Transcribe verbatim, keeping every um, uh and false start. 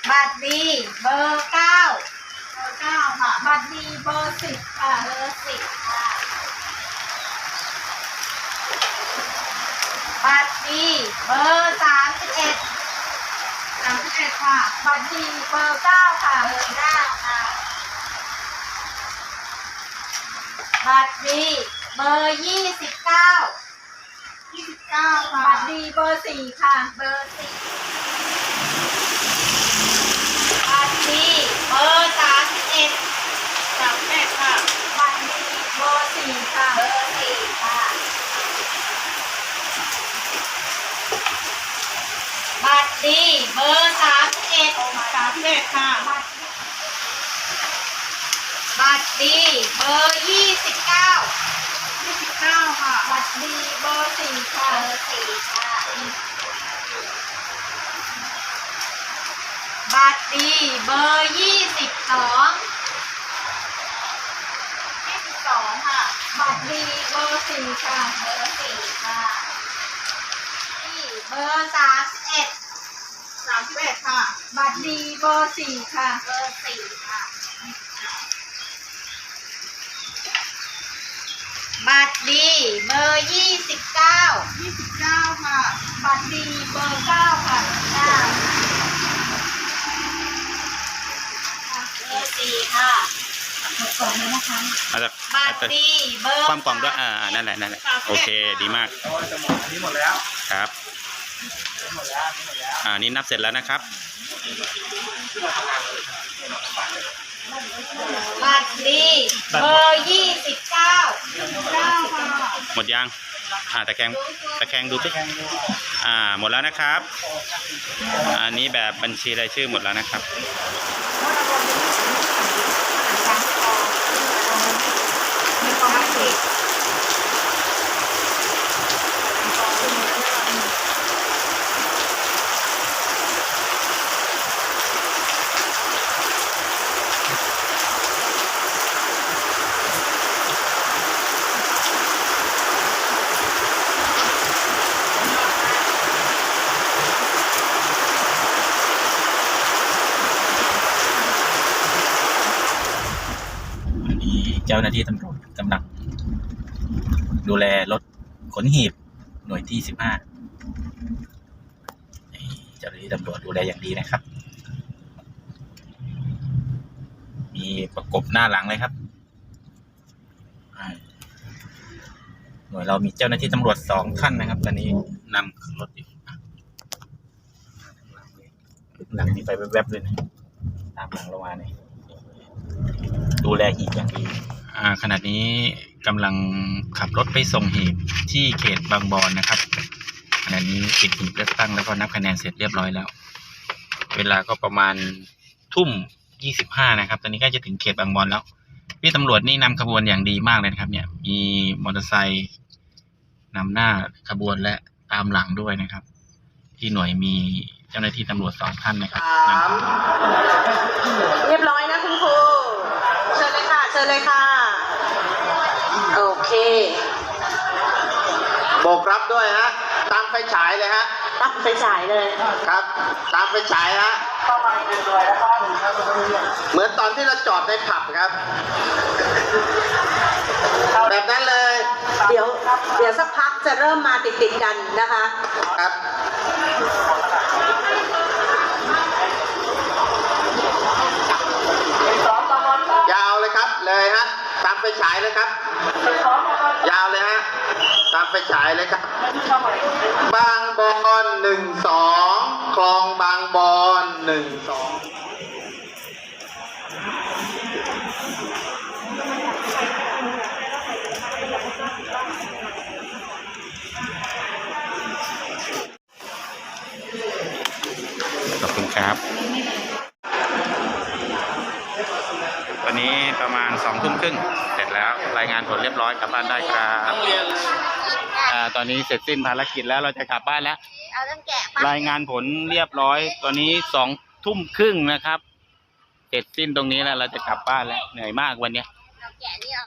บัตรดีเบอร์เก้าเบอร์เก้าค่ะบัตรดีเบอร์สิบค่ะเบอร์สิบค่ะบัตรดีเบอร์สามสิบเอ็ดสามสิบเอ็ดค่ะบัตรดีเบอร์เก้าค่ะเบอร์เก้าค่ะบัตรดีเบอร์ยี่สิบเก้ายี่สิบเก้าค่ะบัตรดีเบอร์สี่ค่ะเบอร์สี่บัตรดีเบอร์สามสิบเอ็ดสามสิบเอ็ดค่ะบัตรดีเบอร์สี่ค่ะเบอร์สี่ค่ะบัตรดีเบอร์สามสิบเอ็ดสามสิบเอ็ดค่ะบัตรดีเบอร์ยี่สิบเก้ายี่สิบเก้าค่ะบัตรดีเบอร์สี่ค่ะเบอร์สี่ค่ะบัตรดีเบอร์ยี่สิบสองยี่สิบสองค่ะบัตรดีเบอร์สี่ค่ะเบอร์สี่ค่ะนี่เบอร์สามสิบเอ็ดสามสิบเอ็ดค่ะบัตรดีเบอร์สี่ค่ะเบอร์สี่ค่ะบัตรดีเบอร์ยี่สิบเก้ายี่สิบเก้าค่ะบัตรดีเบอร์เก้าค่ะเก้าเบอร์สี่ค่ะหมดกล่องแล้วนะคะบัตรดีเบอร์ความกล่องด้วยอ่านั่นแหละนั่นแหละโอเคดีมากจะหมดอันนี้หมดแล้วครับหมดแล้วหมดแล้วอ่านี่นับเสร็จแล้วนะครับบัตรดีเบอร์ยี่สิบเก้าเก้าค่ะหมดยังอ่าตะแคงตะแคงดูสิอ่าหมดแล้วนะครับอันนี้แบบบัญชีรายชื่อหมดแล้วนะครับเจ้าหน้าที่ตำรวจกำลังดูแลรถขนหีบหน่วยที่สิบห้าเจ้าหน้าที่ตำรวจดูแลอย่างดีนะครับมีประกบหน้าหลังเลยครับหน่วยเรามีเจ้าหน้าที่ตำรวจสองท่านนะครับตอนนี้นำขึ้นรถอยู่หลังนี้ไปแวบๆเลยนะตามหลังเรามาเนี่ยดูแลหีบอย่างดีอ่าขณะนี้กำลังขับรถไปส่งหีบที่เขตบางบอนนะครับขณะนี้ปิดหีบเลือกตั้งแล้วก็นับคะแนนเสร็จเรียบร้อยแล้วเวลาก็ประมาณทุ่มยี่สิบห้านะครับตอนนี้ใกล้จะถึงเขตบางบอนแล้วพี่ตำรวจนี่นำขบวนอย่างดีมากเลยนะครับเนี่ยมีมอเตอร์ไซค์นำหน้าขบวนและตามหลังด้วยนะครับที่หน่วยมีเจ้าหน้าที่ตำรวจสองท่านนะครับเรียบร้อยนะคุณครูเชิญเลยค่ะเชิญเลยค่ะโอเคโบกรับด้วยฮะตามไฟฉายเลยฮะตั้งไฟฉายเลยครับตามไฟฉายฮะเหมือนตอนที่เราจอดในผับครับแบบนั้นเลยเดี๋ยวเดี๋ยวสักพักจะเริ่มมาติดติดกันนะคะครับยาวเลยครับเลยฮะตามไฟฉายเลยครับยาวเลยฮะตามไฟฉายเลยครับบางบอนหนึ่งสองคลองบางบอนหนึ่งสองขอบคุณครับวันนี้ประมาณสองทุ่มครึ่งเสร็จแล้วรายงานผลเรียบร้อยกลับบ้านได้ครับอ่าตอนนี้เสร็จสิ้นภารกิจแล้วเราจะกลับบ้านแล้วรายงานผลเรียบร้อยตอนนี้สองทุ่มครึ่งนะครับเสร็จสิ้นตรงนี้แล้วเราจะกลับบ้านแล้วเหนื่อยมากวันนี้